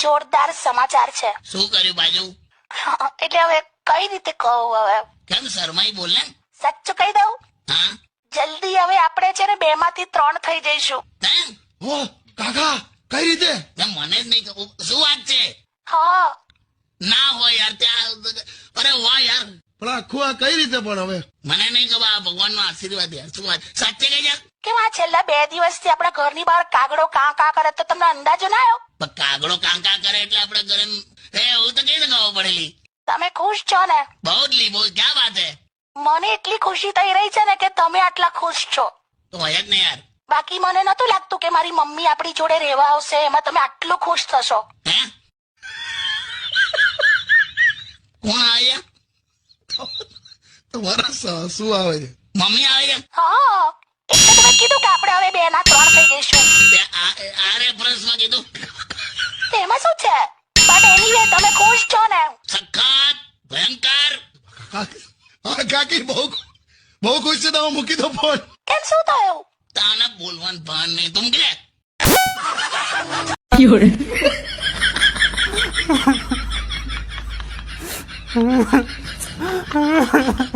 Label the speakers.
Speaker 1: જોરદાર સમાચાર છે.
Speaker 2: શું કર્યું બાજુ?
Speaker 1: એટલે હવે કઈ રીતે કહું? હવે
Speaker 2: કેમ શરમાઈ બોલ ને.
Speaker 1: સાચું કહી દઉં?
Speaker 2: હા
Speaker 1: જલ્દી હવે આપણે છે ને 2 માંથી 3 થઈ જઈશું.
Speaker 2: કેમ?
Speaker 3: ઓ કાકા કઈ રીતે?
Speaker 2: મને જ નહીં ખબર. શું વાત છે?
Speaker 1: હા
Speaker 2: ના હોય યાર ત્યાં. અરે વાહ યાર,
Speaker 3: પણ આખું આ કઈ રીતે પણ હવે?
Speaker 2: મને નહીં ખબર. આ ભગવાનનો આશીર્વાદ યાર. શું વાત સાચે કહી જા.
Speaker 1: કેમ આ છેલ્લા 2 દિવસથી આપણા ઘરની બહાર કાગડો કાં કાં કરે તો તમને અંદાજો ના આવ્યો?
Speaker 2: પણ કાગડો કાંકા કરે એટલે આપણે ઘરે એવું તો કઈ ખબર પડેલી.
Speaker 1: તમે ખુશ છો ને?
Speaker 2: બહુ જ લી, બહુ. ક્યાં વાત હે?
Speaker 1: મને એટલી ખુશી થઈ રહી છે ને કે તમે આટલા ખુશ છો.
Speaker 2: તો હોય જ ને યાર.
Speaker 1: બાકી મને નતું લાગતું કે મારી મમ્મી આપણી જોડે રહેવા આવશે, એમાં તમે આટલું ખુશ થશો.
Speaker 2: હે કોણ આવ્યા?
Speaker 3: તમારા સાસુ આવે છે.
Speaker 2: મમ્મી આવે છે?
Speaker 1: હા એટલે તમે કીધું કે આપણે હવે 2 ના 3 થઈ જઈશું.
Speaker 2: તે આ રેફરન્સમાં કીધું.
Speaker 1: તેમાં શું છે? બટ એનીવે તમે ખુશ છો ને?
Speaker 2: સખત ભયંકર.
Speaker 3: હા કાકી બહુ ખુશ છે. તમે મૂકી દો ફોન.
Speaker 1: કેમ શું થયું?
Speaker 2: તાને બોલવાનું ભાન નહીં. તું કે
Speaker 4: 有人。